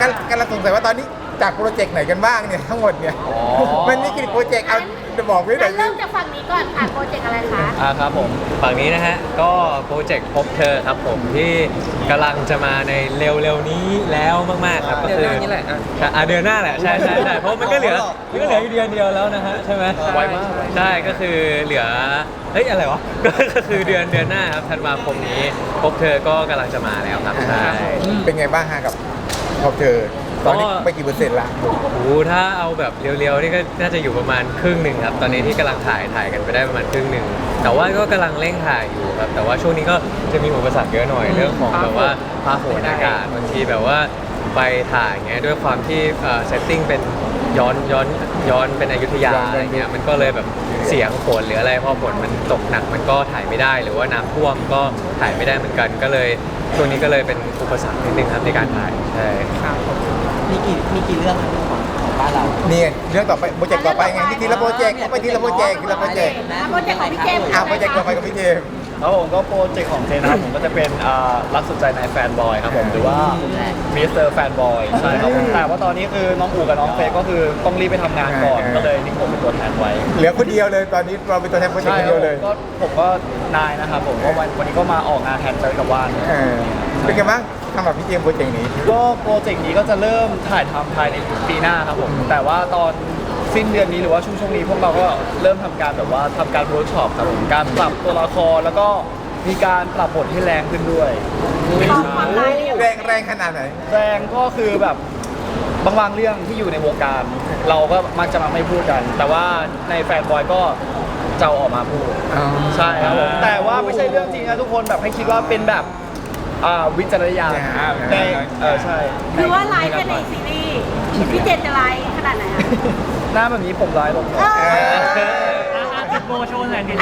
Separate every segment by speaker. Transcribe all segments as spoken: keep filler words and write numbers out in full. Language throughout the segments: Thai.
Speaker 1: กำลังสงสัยว่าตอนนี้จากโปรเจกต์ไหนกันบ้างเนี่ยทั้งหมดเนี่ยมันนี่กี่โปรเจกต์เอาจะบอกไม่ได้
Speaker 2: เริ่มจากฝั่งนี้ก่อนค่ะโปรเจกต์อะไรคะ
Speaker 3: อ่าครับผมฝั่งนี้นะฮะก็โปรเจกต์พบเธอครับผมที่กำลังจะมาในเร็วๆนี้แล้วมากๆครับก็คือ
Speaker 4: เดือนหน้านี่แหละอ่ะ
Speaker 3: อ่ะเดือนหน้าแหละใช่ใช่ใช่เพราะมันก็เหลือมันก็เหลืออยู่เดือนเดียวแล้วนะฮะใช่ไหม
Speaker 4: ไวมาก
Speaker 3: ใช่ก็คือเหลือเฮ้ยอะไรวะ ก็คือเดือนเดือนหน้าครับธันวาคมนี้พบเธอก็กำลังจะมาแล้วครับใช่
Speaker 1: เป็นไงบ้างฮะกับพบเธอตอนนี้
Speaker 3: ก็
Speaker 1: ไปกี่เปอร์เซ็นต์ละ
Speaker 3: โอ้โหถ้าเอาแบบเร็วๆนี่ก็น่าจะอยู่ประมาณครึ่งหนึ่งครับตอนนี้ที่กำลังถ่ายถ่ายกันไปได้ประมาณครึ่งหนึ่งแต่ว่าก็กำลังเร่งถ่ายอยู่ครับแต่ว่าช่วงนี้ก็จะมีอุปสรรคเยอะหน่อยเรื่องของแบบว่าฟ้าฝนอากาศบางทีแบบว่าไปถ่ายเงี้ยด้วยความที่เซตติ้งเป็นย้อนย้อนย้อนเป็นอยุธยาอะไรเงี้ยมันก็เลยแบบเสียงฝนหรืออะไรพอฝนมันตกหนักมันก็ถ่ายไม่ได้หรือว่าน้ำท่วมก็ถ่ายไม่ได้เหมือนกันก็เลยช่วงนี้ก็เลยเป็นอุปสรรคนิดนึงครับในการถ่ายใช่
Speaker 4: มีกี่มีกี่เรื่องของของบ้านเรา
Speaker 1: นี่ไงเรื่องต่อไปโปรเจกต์ต่อไปไงนี่ทีละโปรเจกต์ก็ไปทีละโปรเจกต์ทีละโปรเจกต์
Speaker 2: อ่ะโปรเจกต์ของพี่เจมส์
Speaker 1: อ่ะโปรเจกต์ต่อไปกับพี่เจมส์
Speaker 5: ครับผมก็โปรเจกต์ของเจนะครับผมก็จะเป็นอ่ารักสุดใจในแฟนบอยครับผมหรือว่ามิสเตอร์แฟนบอยใช่ครับผมแต่ว่าตอนนี้คือน้องอูกับน้องเฟย์ก็คือต้องรีบไปทำงานก่อน
Speaker 1: อ่า
Speaker 5: ก็เลยนี่ผมเป็นตัวแทนไว้
Speaker 1: เหลือคนเดียวเลยตอนนี้เราเป็นตัวแทนโปรเจกต์
Speaker 5: ใช่
Speaker 1: คน
Speaker 5: ค
Speaker 1: เดี
Speaker 5: รั
Speaker 1: ยว
Speaker 5: บผ
Speaker 1: เล
Speaker 5: ม
Speaker 1: ย
Speaker 5: ก็ผมก็นายนะครับผมก็วันวันนี้ก็มาออกงานแทนเจอกับว่าน
Speaker 1: เออเป็นไงบ้างสำหรับพี่เจมส์โปรเจกต์นี้
Speaker 5: ก็โปรเจกต์นี้ก็จะเริ่มถ่ายทำภายในปีหน้าครับผมแต่ว่าตอนสิ้นเดือนนี้หรือว่าช่วงช่วงนี้พวกเราก็เริ่มทำการแบบว่าทำการเวิร์กช็อปครับผมการปรับตัวละครแล้วก็มีการปรับบทให้แรงขึ้นด้วย
Speaker 2: ความความร้ายเนี่ย
Speaker 1: แรงแรงขนาดไหน
Speaker 5: แรงก็คือแบบบางบางเรื่องที่อยู่ในวงการ เราก็มักจะมาไม่พูดกัน แต่ว่าในแฟนบอยก็จะเอาออกมาพูด
Speaker 1: อ๋อ
Speaker 5: ใช่ครับผมแต่ว่าไม่ใช่เรื่องจริงนะทุกคนแบบให้คิดว่าเป็นแบบอ่าวิจารณญาณในเออใช่
Speaker 2: คือว่าไลฟ์แค่ในซีรีส์พี่เจมส์จะไลฟ์ขนาดไหนอะ
Speaker 5: หน้าแบบนี้ผมร้ายลง
Speaker 2: เออ
Speaker 3: ติดโบโชว์หน่อยดิ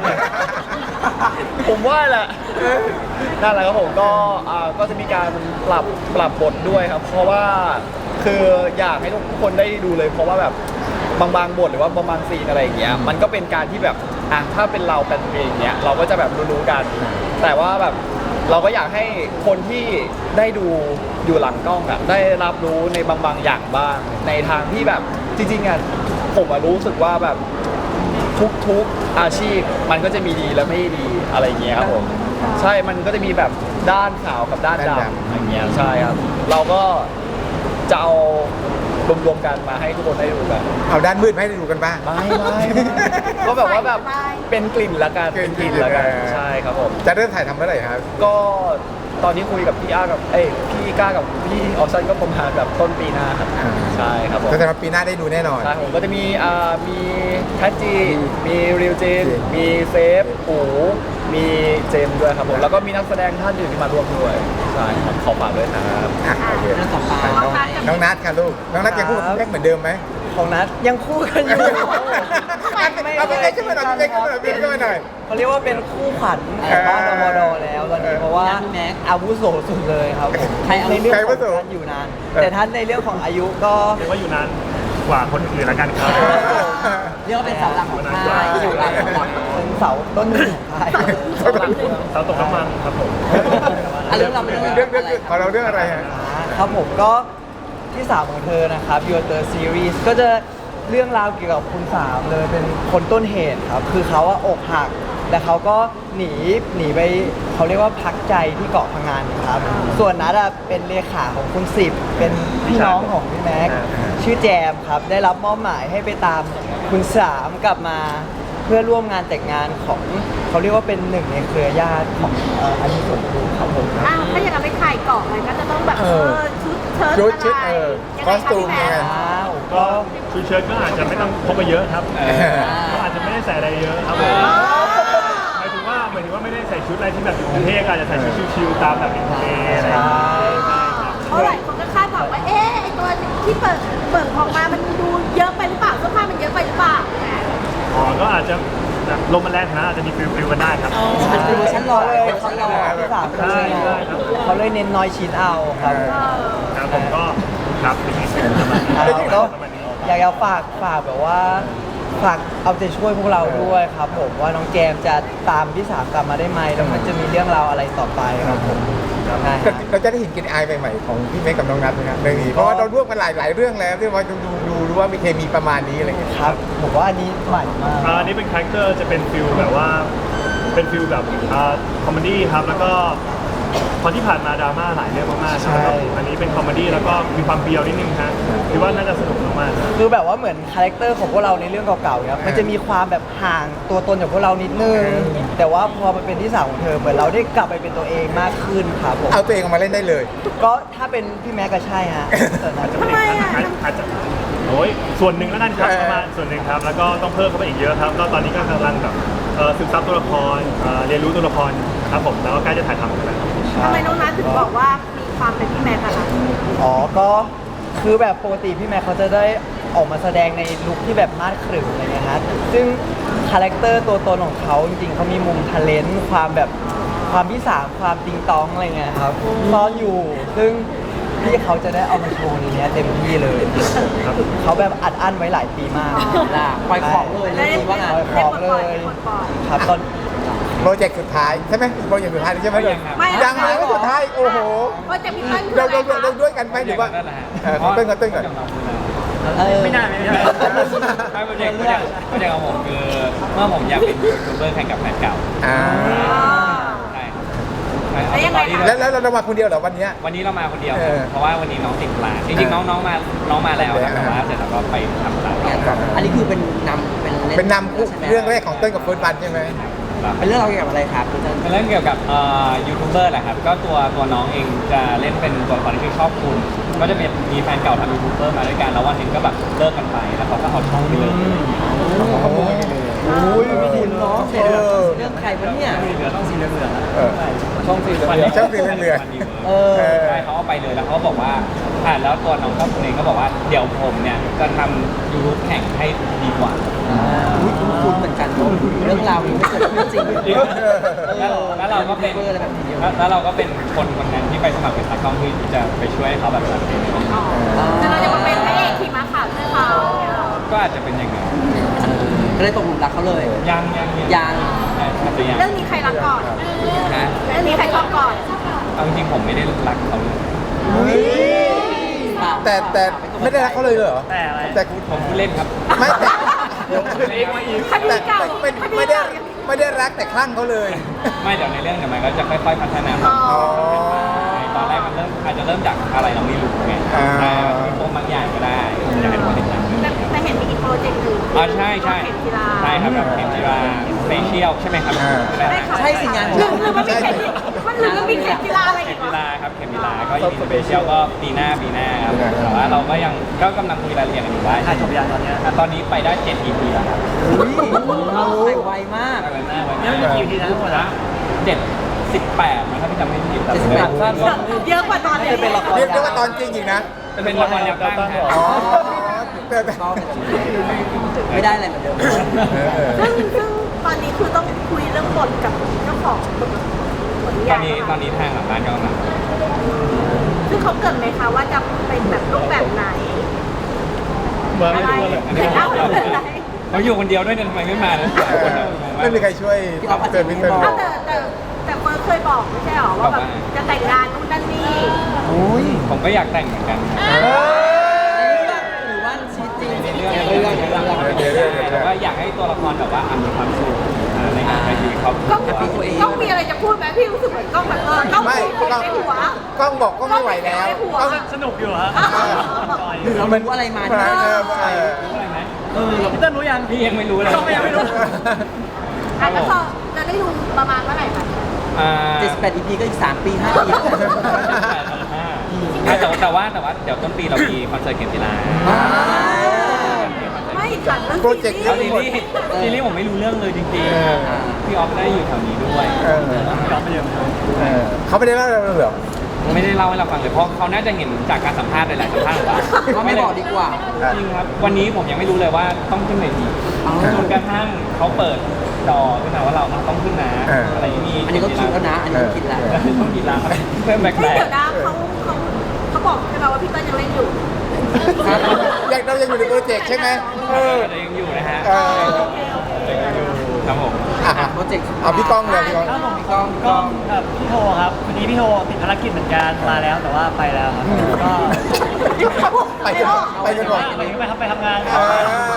Speaker 5: ผมว่าแหละนั่นแหละครับผมก็อ่าก็จะมีการปรับปรับบทด้วยครับ เพราะว่าคืออยากให้ทุกคนได้ดูเลย เพราะว่าแบบบางบางบทหรือว่าบางบางซีนอะไรอย่างเงี้ยมันก็เป็นการที่แบบอ่ะถ้าเป็นเราเป็นเองเนี้ยเราก็จะแบบรู้ๆกัน แต่ว่าแบบเราก็อยากให้คนที่ได้ดูอยู่หลังกล้องอะได้รับรู้ในบางบางอย่างบ้าง ในทางที่แบบจริงๆอะผมอะรู้สึกว่าแบบทุกๆอาชีพมันก็จะมีดีและไม่ดีอะไรอย่างเงี้ยครับผมใช่มันก็จะมีแบบด้านขาวกับด้าน
Speaker 1: ด้าน
Speaker 5: ดำ
Speaker 1: ดำ
Speaker 5: อย่างเงี้ยใช่ครับเราก็จะเอารวมๆกันมาให้ทุกคนได้ดูกัน
Speaker 1: เอาด้านมืดมาให้ดูกันบ้าง
Speaker 5: ไม่ไม่ก็แบบว่าแบบเป็นกลิ่นละกันเป็นกลิ่นละกันใช่ครับผม
Speaker 1: จะเริ่มถ่ายทำเมื่อไหร่ครับ
Speaker 5: ก็ตอนนี้คุยกับพี่อ้ากับเอ้ยพี่ก้ากับพี่ออฟซันก็ประมาณแบบต้นปีหน้าครับ
Speaker 1: อ่า
Speaker 5: ใช่ครับผม
Speaker 1: ก็จะมาปีหน้าได้ดูแน่นอน
Speaker 5: ใช่ผมก็จะมีอ่ามีแพทจีมีริวจิน
Speaker 1: จริง
Speaker 5: มีเซฟปูมีเจมส์ด้วยครับผมแล้วก็มีนักแสดงท่านอื่นที่มาร่วมด้วยใช่ครับขอฝากด้วยครับ
Speaker 1: อ่ะโอเค
Speaker 4: เรื่องต่อไป
Speaker 1: น้องน้องนัทค่ะลูกน้องนัทยังพูดกับพี่เป๊กเหมือนเดิมไหม
Speaker 4: ของนัดยังคู่กันอยู่
Speaker 1: เอาพี่เป๊กขึ้นมาหน่อยพี่เป๊กขึ้นมาหน่อยพี่เป๊กขึ้นมาหน่อย
Speaker 4: เขาเรียกว่าเป็นคู่ขวัญของบ้านดมดแล้วตอนนี้เพราะว่าอาวุโสสุดเลยครับผมในเรื่องของการอยู่นาน แต่ท่านในเรื่องของอายุก็
Speaker 6: เรียกว่าอยู่นานกว่าคนอื่นแล้วกันครับ
Speaker 4: เรียกว่าเป็นเสาหลักของค่ายอยู่หลักเป็นเสาต้นหนึ่งของค่าย
Speaker 6: เสาตกน้ำมันครับผม
Speaker 4: อ่ะเรื่องเราเป็น
Speaker 1: เรื่องเรื่องของเราเรื่องอะไรฮะ
Speaker 4: ครับผมก็ที่สามของเธอนะครับ Your Third Series ก็จะเรื่องราวเกี่ยวกับคุณสามเลยเป็นคนต้นเหตุครับ คือเขาว่าอกหัก แต่เขาก็หนีหนีไปเขาเรียกว่าพักใจที่เกาะพังงานครับ ส่วนนัดอะเป็นเลขาของคุณสิบเป็นพี่น้องของพี่แม็กซ์ชื่อแจมครับ ได้รับมอบหมายให้ไปตามคุณสามกลับมาเพื่อร่วมงานแต่งงานของเขาเรียกว่าเป็นหนึ่งในเครือญาติของเอ่ออันนี้สมบูรณ์ครับผม
Speaker 2: อ้าวถ้าอย่างนั้นไปถ่ายเกาะมันก็จะต้องแบบ
Speaker 1: เอ
Speaker 2: เอ
Speaker 1: อ
Speaker 2: อชุดเชิ้ต
Speaker 1: ชุดชุด
Speaker 2: อะไร
Speaker 1: เออ
Speaker 2: ยัง
Speaker 1: ค
Speaker 2: ไง
Speaker 1: อสตูม
Speaker 2: คะพี่
Speaker 1: ยังไง
Speaker 2: แม่
Speaker 4: ว้าว
Speaker 6: ก็
Speaker 4: ก็
Speaker 6: ชุดเชิ้ตก็อาจจะไม่ต้องพกไปเยอะครับเขาอาจจะไม่ได้ใส่อะไรเยอะครับผมหมายถึงว่าหมายถึงว่าไม่ได้ใส่ชุดอะไรที่แบบอยู่กรุงเทพอาจจะใส่ชุดชิวๆตามแบบอินเทอร์เน็ตอะไรอย่างเงี้ยใช่ครับ
Speaker 2: เพราะหลายคนก็คาดหวังว่า เอ๊ะไอตัวที่เปิดเปิดออกมา มันดูเยอะไปหรือเปล่าเสื้อผ้ามันเยอะไปหรือเปล่า
Speaker 6: อ๋อก็อาจจะแบบลมมันแรงนะอาจจะมีฟิลฟิลกันได้ครับ
Speaker 4: ฉันดูฉันรอเลยฉันรอที่สามเขาเลย
Speaker 6: ใช่ครับ
Speaker 4: เขาเลยเน้นน้อยชิ้นเอาครับ
Speaker 2: เออ
Speaker 6: ครับผมก็ครับเป็นอย่างนี้ประมาณนี้
Speaker 4: ครับก็
Speaker 6: ประมาณนี้
Speaker 4: อยากจะฝากฝากแบบว่าฝากเอาใจช่วยพวกเราด้วยครับผมว่าน้องแจมจะตามพี่สามกลับมาได้ไหมแล้วมันจะมีเรื่องราวอะไรต่อไปครับผม
Speaker 6: ครับ
Speaker 4: ใช่ค
Speaker 1: เรา
Speaker 4: รับ
Speaker 1: เราจะได้เห็นกินไอายใหม่ๆของพี่เมฆกับน้องนัทไหมครับเรื่องนี้เพราะว่าเราร่วมกันหลายหลายเรื่องแล้วที่ว่าดูดูดูรู้ว่ามีเคมีประมาณนี้อะไรอย่างเงี้ย
Speaker 4: ครับผมว่าอันนี้ใหม่มาก
Speaker 6: อ่าอันนี้เป็นคาแรคเตอร์จะเป็นฟิลแบบว่าเป็นฟิลแบบอ่าคอมเมดี้ครับแล้วก็พอที่ผ่านมาดราม่าหลายเรื่องมากๆ
Speaker 4: ใช่
Speaker 6: ครับอันนี้เป็นคอมเมดี้แล้วก็มีความเบียวนิดนึงฮะคิดว่าน่าจะสนุกมากๆครับ
Speaker 4: คือแบบว่าเหมือนคาแรคเตอร์ของพวกเราในเรื่องเก่าๆเนี่ยมันจะมีความแบบห่างตัวตนจากพวกเรานิดนึง แต่ว่าพอมันเป็นที่สาวของเธอเหมือนเราได้กลับไปเป็นตัวเองมากขึ้นครับผม
Speaker 1: เอาตัวเองออกมาเล่นได้เลย
Speaker 4: ก็ถ้าเป็นพี่แม็กก็ใช่ฮะแต่นั้น
Speaker 2: ทำไมอ่ะ
Speaker 6: อาจอาจจะโอ้ยส่วนหนึ่งแล้วกันครับ
Speaker 1: เออ
Speaker 6: ประมาณส่วนหนึ่งครับ แล้วก็ต้องเพิ่มเข้าไปอีกเยอะครับ ก็ตอนนี้ก็กำลังแบบเอ่อศึกษาตัวละครเอ่อเรียนรู้ตัวละครครับผม แล้วก็ใกล้จะถ่ายทำกันแล้ว
Speaker 2: ทำไมน้องนัทถึงบอกว่ามีความเป็นพี่แม็กซ์อะคะ
Speaker 4: อ๋อก็คือแบบปกติพี่แม็กเขาจะได้ออกมาแสดงในลุคที่แบบมาดขรึมอะไรเงี้ยฮะซึ่งคาแรคเตอร์ตัวตนของเขาจริงๆเขามีมุมทะเลนต์ความแบบความที่สามความติงตองอะไรเงี้ยครับซ่อนอยู่ ซึ่งพี่เขาจะได้เอามาโชว์ในเนี้ยเต็มที่เลยเขาแบบอัดอั้นไว้หลายปีมาก
Speaker 7: ปล่อยของเลย
Speaker 2: ได้
Speaker 7: เรื่องนี้ว่าไง
Speaker 4: ปล่อยของเลย
Speaker 2: ได้ปลดปล่อย
Speaker 4: ครับตอน
Speaker 1: โปรเจกต์สุดท้ายใช่ไหมโปรเจกต์สุดท้ายใช่ไหม
Speaker 2: ไม่
Speaker 1: ยังเลยว่าสุดท้ายโอ้โห
Speaker 2: โปรเจกต์พี่เติ้ลคือ
Speaker 1: เรา
Speaker 2: อะไร
Speaker 1: เรา
Speaker 2: คะ
Speaker 1: เราด้วยกันไหมหรือว่าเออเต้นก่อนเต้นก่อน
Speaker 7: ไม่น่าไม่น่า
Speaker 3: ไม่โปรเจกต์โปรเจกต์โปรเจกต์ของผมคือเมื่อผมอยากเป็นยูทูบเบอร์แข่งกับแฟนเก่า
Speaker 1: อ่า
Speaker 3: ใช่
Speaker 2: แล้วยังไงคะ
Speaker 1: แล้วแล้วเรามาคนเดียวเหรอวันเนี้ย
Speaker 3: วันนี้เรามาคนเดียว
Speaker 1: เออ
Speaker 3: เพราะว่าวันนี้น้องติดธุระจริงๆน้องน้องมาน้องมาแล้วนะแต่ว่าเสร็จแล้วก็ไปทำธุระต่อ
Speaker 7: อันนี้คือเป็นนำเป็นล่
Speaker 1: เป็นนำเรื่องแรกของเต้นกับเฟิร์สบันใช่ไหม
Speaker 7: เป็นเรื่องราวเกี่ยวกับอะไรครับคุณเติ้ล
Speaker 3: เป็นเรื่องเกี่ยวกับเอ่อยูทูบเบอร์แหละครับ ก็ตัวตัวน้องเองจะเล่นเป็นตัวละครที่ชื่อชอบคุณ ก็จะเป็นมีแฟนเก่าทำยูทูบเบอร์มาด้วยกันแล้ววันหนึงก็แบบเลิกกันไปแล้วเขาก็เอาช่องไปเลย
Speaker 4: โอ้ยไม่ดีเนาะ
Speaker 7: เสียเรื่องเรื่องใครวะเนี่ย
Speaker 3: เหลือต้องสีเหลือง
Speaker 1: เออ
Speaker 3: ช่องสีเหลือง
Speaker 1: ช่องสีเหลือง
Speaker 4: เออ
Speaker 1: เออ
Speaker 3: ใช่เขาเอาไปเลยแล้วเขาก็บอกว่าอ่าแล้วตัวน้องชอบคุณเองก็บอกว่าเดี๋ยวผมเนี่ยจะทำยูทูบแข่งให้ดีกว่า
Speaker 7: อุ้ยคุ้นๆเหมือนกันเรื่องราวนี้ไม่เกิดขึ้นจริง
Speaker 3: แล้วแล้วเราก็เป็น
Speaker 7: เบอร์อะไรแบบนี้เยอะ
Speaker 3: แล้วแล้วเราก็เป็นคนคนนั้นที่ไปสมัครเป็นตากล้องที่จะไปช่วยให้เขาแบบนั้น
Speaker 2: แต่เราจะมาเป็นพระเอกขี่ม้าขาวให้เขาเนี่ยเหรอ
Speaker 3: ก็อาจจะเป็นอย่างนั้น
Speaker 7: ก็เลยตกหลุมรักเขาเลย
Speaker 3: ยังยัง
Speaker 7: ยัง
Speaker 3: ใช่อาจจะยัง
Speaker 2: เรื่องนี้ใครรักก่อน
Speaker 3: นะ
Speaker 2: เรื่องนี้ใครชอบก่อน
Speaker 3: เอาจริงๆผมไม่ได้รักเขาเลย
Speaker 1: แต่แต่ไม่ได้รักเขาเลยเหรอ
Speaker 6: แต่อะไร
Speaker 1: แต่
Speaker 3: ผมพูดเล่นครับ
Speaker 1: ไม่แต่
Speaker 3: เล่นมาอีก
Speaker 2: คดี
Speaker 1: แต่
Speaker 2: เก่า
Speaker 1: แต่เป็น
Speaker 2: คดี
Speaker 1: ไม่ได้
Speaker 2: เก่า
Speaker 1: ไม่ได้รักแต่คลั่งเขาเลย
Speaker 3: ไม่เดี๋ยวในเรื่องเดี๋ยวมันก็จะค่อยๆพัฒนา
Speaker 2: อ๋อ
Speaker 3: ตอนแรกมันเริ่มอาจจะเริ่มจากอะไรเราไม่รู้ไง
Speaker 1: อ่า
Speaker 3: ใช่มีโปรบางอย่างก็ได้อยากให้ทุกคนติดตาม
Speaker 2: แต่แต่เห็นมีอีกโปรเจกต์หนึ่ง
Speaker 3: อ๋อใช่ใช่
Speaker 2: เข็มกีฬา
Speaker 3: ใช่ครับแบบเข็มจีราสเปเชียลใช่ไหมครับ
Speaker 1: อ่า
Speaker 2: ได้ข่าว
Speaker 7: ใช่สิงาน
Speaker 2: หรือหรือมันมีเข็มมันหรือมันมีเข็มกีฬาอะไร
Speaker 3: เข็
Speaker 2: อี
Speaker 3: ม
Speaker 2: ก
Speaker 3: จี
Speaker 2: เหรอ
Speaker 3: ราครับเข็มจีราก็อีกสเปเชียลก็ปีหน้าปีหน้าครับแต่ว่าเราก็ยังก็กำลังคุยรายละเอียดกันอยู่ว่า
Speaker 6: ถ่ายจบยังตอนเนี้ย
Speaker 3: ตอนนี้ไปได้เจ็ด อี พี แล้วครับ
Speaker 7: อุ้ยไปไวมาก
Speaker 3: ไปหน้าไว้
Speaker 6: ยังมีกี่ อี พี นะทั้งหมดนะ
Speaker 3: เจ็ดสิบแปดนะถ้าพี่จำไม่ผิด
Speaker 7: เจ็ดสิบแปด
Speaker 3: สั้น
Speaker 2: เยอะกว่าตอนเรียน
Speaker 4: เป็นละคร
Speaker 1: เรียกได้ว่าตอนจริงอีกนะ
Speaker 3: เป็นละครแนวตั้งครับ
Speaker 1: อ๋อแต่แต่
Speaker 7: ก็ไม่ได้อะไรเหมือนเดิม
Speaker 1: เออเออ
Speaker 2: ซึ่งซึ่งตอนนี้คือต้องคุยเรื่องบทกับเจ้าของบทบทนิ
Speaker 3: ต
Speaker 2: ยา
Speaker 3: อย นนี้ตอนนี้ทางหลังบ้านก็กำลัง
Speaker 2: ซึ่งเขาเกริดไหมคะว่าจะเป็นแบบรูปแบบไหน
Speaker 6: เบอร์
Speaker 2: อะ
Speaker 6: ไม่
Speaker 2: ไร
Speaker 6: รู้เลย
Speaker 2: แต่เล่าเป็นอะไร
Speaker 3: เขาอยู่คนเดียวด้วยเนี่ยทำไมไม่มาเลย
Speaker 1: ไม่มีใครช่วยเตือนพี่เติ้ล
Speaker 2: อ้าวแต่แต่แต่เฟิร์สเคยบอกไม่ใช่หรอว่าแบบจะแต่งงานนู่นนั่นนี่
Speaker 4: อุ้ย
Speaker 3: ผมก็อยากแต่งเหมือนกัน
Speaker 7: หรือว่าชีวิตจริง
Speaker 3: ในเรื่อง
Speaker 7: เรื่องเรื่อง
Speaker 1: เดี๋ยวเดี๋ยวเดี๋ยว
Speaker 3: แต่ว่าอยากให้ตัวละครแบบว่าอ่ะมีความสุขในการใช้ชีวิตครอบครัว
Speaker 2: กล้องต้องมีอะไรจะพูดไหมพี่รู้สึกเหมือนกล้องแบบเออกล้อง
Speaker 1: ไม่
Speaker 2: มี
Speaker 1: กล้อง
Speaker 2: ในหัว
Speaker 1: กล้องบอกก็ไม่ไหวแล้วกล้อง
Speaker 6: สนุกอยู่ฮะ
Speaker 7: หรือเรารู้อะไรมา
Speaker 1: เอ
Speaker 7: ที่
Speaker 1: อเออเออ
Speaker 3: รู้อะไรไหม
Speaker 7: เออ
Speaker 6: พี่เติ้ลรู้ยัง
Speaker 3: พี่ยังไม่รู้เลย
Speaker 6: เราก็ยังไม่รู้
Speaker 2: อ่ะแล้วพอจะได้ดูประมาณเมื่อไหร่คะ
Speaker 3: อ่า
Speaker 7: เจ็ดสิบแปด อี พี ก็อีกสามปีห้าปี
Speaker 3: แต่ว่าแต่ว่าแต่ว่าเดี๋ยวต้นปีเรามีคอนเสิร์ตเกมกีฬา
Speaker 2: ไม่ถามเรื่อง
Speaker 1: โปรเจกต์
Speaker 2: ซี
Speaker 3: แล้ว
Speaker 2: รี
Speaker 3: ซี
Speaker 2: ส์
Speaker 3: รีส์ซีรีส์ผมไม่รู้เรื่องเลยจริง
Speaker 1: เออ
Speaker 3: ๆพี่ออฟได้อยู่แถวนี้ด้วย
Speaker 1: เออ
Speaker 6: ยอมไปเยอะ
Speaker 1: เออเขาไม่ได้เล่าเราเหรอ
Speaker 3: ไม่ได้เล่าให้เราฟังเลยเพราะเขาน่าจะเห็นจากการสัมภาษณ์หลายๆสัมภาษณ์ของเรา
Speaker 7: ก็ไม่บอกดีกว่า
Speaker 3: จริงครับวันนี้ผมยังไม่รู้เลยว่าต้องขึ้นเวที
Speaker 7: อ๋อ
Speaker 3: จนกระทั่งเขาเปิดจอขึ้นมาว่าเราต้องขึ้นนะอะไรอย่างนี้
Speaker 7: อันนี้ก็คิดแล้วนะ อันนี้ก็คิดแล้ว
Speaker 3: ต้องกินแล้วเพิ่มแบก
Speaker 2: เฮ้ยเดี๋ยวนะเขาเขาเขาบอกใช่ไหมว่าพี่เติ้ลยังเล่นอยู่
Speaker 1: อยากเรายังอยู่ในโปรเจกต์ใช่ไหมเออ
Speaker 3: แต่ยังอยู่นะฮะ
Speaker 1: เออ
Speaker 2: โอเคโอเค
Speaker 8: ครับผม
Speaker 1: อ่ะ
Speaker 7: โปรเจกต์
Speaker 1: เอาพี่ก้องเลยพี่ก้อง
Speaker 9: ครับผมกล้องกล้องกับพี่โทครับวันนี้พี่โทติดภารกิจเหมือนกันมาแล้วแต่ว่าไปแล้วครับก็
Speaker 1: ไปกันไปกันหมด
Speaker 9: ไปไปครับไปทำงาน
Speaker 1: อ่า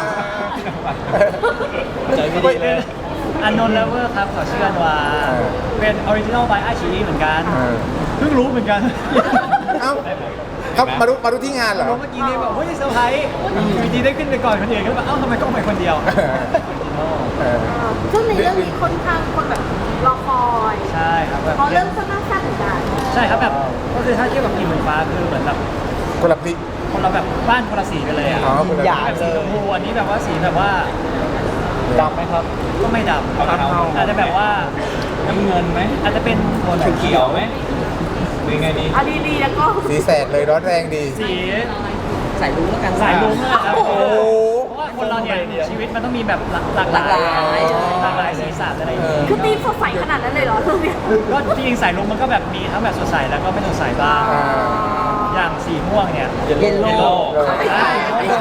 Speaker 4: ใจไม่ดีเลย
Speaker 9: อันนนท์เลเวอร์ครับขอเชื่อว่าเป็นออริจินอลบายอาชีเหมือนกัน
Speaker 1: เออ
Speaker 9: เพิ่งรู้เหมือนกัน
Speaker 1: เอ้าเขามารู้มารู้ที่งานเหรอ
Speaker 9: รู้เมื่อกี้นี้แบบเฮ้ยเซอร์ไพรส์อยู่ดีได้ขึ้นไปก่อนคนอื่นก็แบบเอ้าทำไมต้องไปคนเดียว
Speaker 1: เออ
Speaker 2: ซึ่งในเรื่องนี้ค่อนข้างคนแบบรอคอย
Speaker 9: ใช่ครับแบบ
Speaker 2: เพราะเรื่องค่อนข้างแซ่บเหมือนกัน
Speaker 9: ใช่ครับแบบก็คือถ้าเทียบกับกินเหมือนฟ้าคือเหมือนแบบ
Speaker 1: คนละพลิก
Speaker 9: คนเราแบบบ้านคนละสีกันเลยอ่ะ
Speaker 1: อ๋อคนละ
Speaker 4: อย่า
Speaker 9: แบบสีชมพูอันนี้แบบว่าสีแบบว่า
Speaker 4: ดำไหมครับ
Speaker 9: ก็ไม่ดำอาจจะแบบว่า
Speaker 8: น้ำเงินไหม
Speaker 9: อาจจะเป็นโทนแบบ
Speaker 8: เขียวไหมหรือไงดี
Speaker 2: เอาดีๆแล้วก็
Speaker 1: สีแสดเลยร้อนแรงดี
Speaker 9: สี
Speaker 7: ใส่รุ้งแล้วกัน
Speaker 9: สายลุ้งเลยครับ
Speaker 1: โอ้โห
Speaker 9: เพราะว่าคนเราเนี่ยชีวิตมันต้องมีแบบหลากหลาย
Speaker 7: หลากหลาย
Speaker 9: หลากหลายสีสันอะไรอย่างงี้
Speaker 2: คือตีมสดใสขนาดนั้นเลยเหรอเรื่องเนี้ย
Speaker 9: ก็จริงๆสายลุ้งมันก็แบบมีทั้งแบบสดใสแล้วก็ไม่สดใสบ้าง
Speaker 1: อ่า
Speaker 9: อย่างสีม่วงเนี่ย
Speaker 7: เยลโล่
Speaker 9: ใช่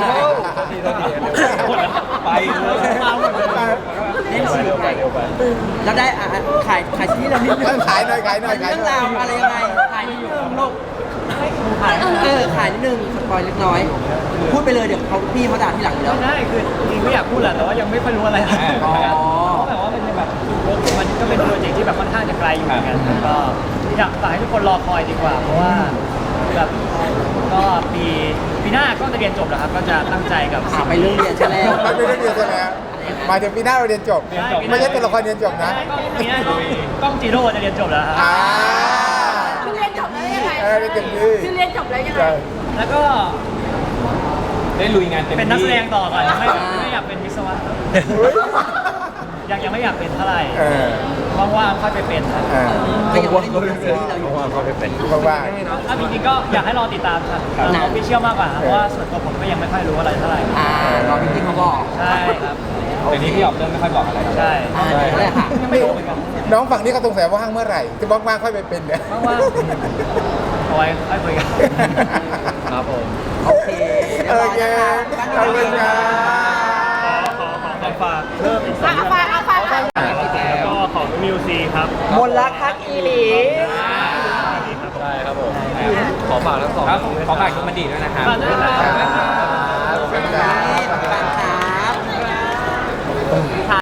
Speaker 8: ไปเลย
Speaker 9: มาหมดเลย
Speaker 7: เล่นสีแล้วได้อ่ะขายขายที่เรานิดนึง
Speaker 1: ขายหน่อยขายหน่อยขาย
Speaker 7: เรื่อง
Speaker 1: หน่
Speaker 7: รา
Speaker 1: อ
Speaker 7: วย อะไรยังไงขายนิดนึงลูก
Speaker 9: ขาย
Speaker 7: เออขายนิดนึงสปอยเล็กน้อย พูดไปเลยเดี๋ยวเขาพี่เขาด่าที่หลังอยู่แล้ว
Speaker 9: ไม่ได้คือจริงๆไม่อยากพูดแหละแต่ว่ายังไม่ค่อยรู้อะไร
Speaker 7: อ๋อ
Speaker 9: เพราะแบบว่ามันแบบมันก็เป็นโปรเจกต์ที่แบบค่อนข้างจะไกลอยู่เหมือนกันแล้วก็อยากฝากให้ทุกคนรอคอยดีกว่า เพราะว่าแบบก็ปีปีหน้าก็จะเรียนจบแล้วครับก็จะตั้งใจกับ
Speaker 7: อ่ะไปเรื่องเรียนซะแล้ว
Speaker 1: มันเป็นเรื่องเดียวกันแล้วหมายถึงปีหน้าเราเรียนจบ ไม่ใช่ตัวละครเรียนจบนะ
Speaker 9: ก็ปีหน้าก็กล้องจีโร่จะเรียนจบแล้วครับ
Speaker 1: อ่า
Speaker 2: คือเรียนจบแล้วยังไง
Speaker 1: เออเรียนจบดี
Speaker 2: คือเรียนจบแล้วยังไง
Speaker 1: ใช่
Speaker 9: แล้วก็
Speaker 8: ได้ลุยงานเต็มที่
Speaker 9: เป็นนักแสดงต่อก่อนยังไม่ไม่อยากเป็นวิศวะยังยังไม่อยากเป็นเท่าไหร่
Speaker 1: เออ
Speaker 9: ว่างๆค่อยไปเป็นครับ
Speaker 1: เออ
Speaker 7: ก็ยังไม่ได้ดูซีรีส์เราอยู่
Speaker 1: ว่าง
Speaker 9: ถ้าจริงๆก็อยากให้รอติดตามครับออฟฟิเชียลมากกว่าครับเพราะว่าส่วนตัวผมก็ยังไม่ค่อยรู้อะไรเท่าไหร่
Speaker 7: อ่ารอพี่ติ๊กเขาบอก
Speaker 9: ใช่ครับ
Speaker 8: แต่นี้พี่ออกเรื่องไม่ค่อยบอกอะไร
Speaker 9: ใช่
Speaker 7: อ่าเดี๋ยวเลยค่ะ
Speaker 9: ยังไม่รู้เหมือนกัน
Speaker 1: ๆน้องฝั่งนี้เขาสงสัยว่าว่างเมื่อไหร่จะว่างๆค่อยไปเป็นเนี่ย
Speaker 9: ว่างๆเอาไว้ค่อยคุยกัน
Speaker 3: ครับผม
Speaker 7: โอเคเรียบ
Speaker 1: โอ
Speaker 7: ร้อย
Speaker 1: เค
Speaker 7: นะคะ
Speaker 1: ขอบคุณครับ
Speaker 6: ขอขอขอฝากเพิ่มอีกสอง
Speaker 2: เอาไปเอาไปเอาไป
Speaker 6: แล้วก็ของมิวซีครับ
Speaker 4: มนต์รักฮักอีหลี
Speaker 3: ได้ครับผม ขอฝากทั้งสอง
Speaker 8: ครับขอฝากชุดมันดีด้วยนะครับ
Speaker 9: ฝากด้วยครับ
Speaker 1: ขอบคุณครับ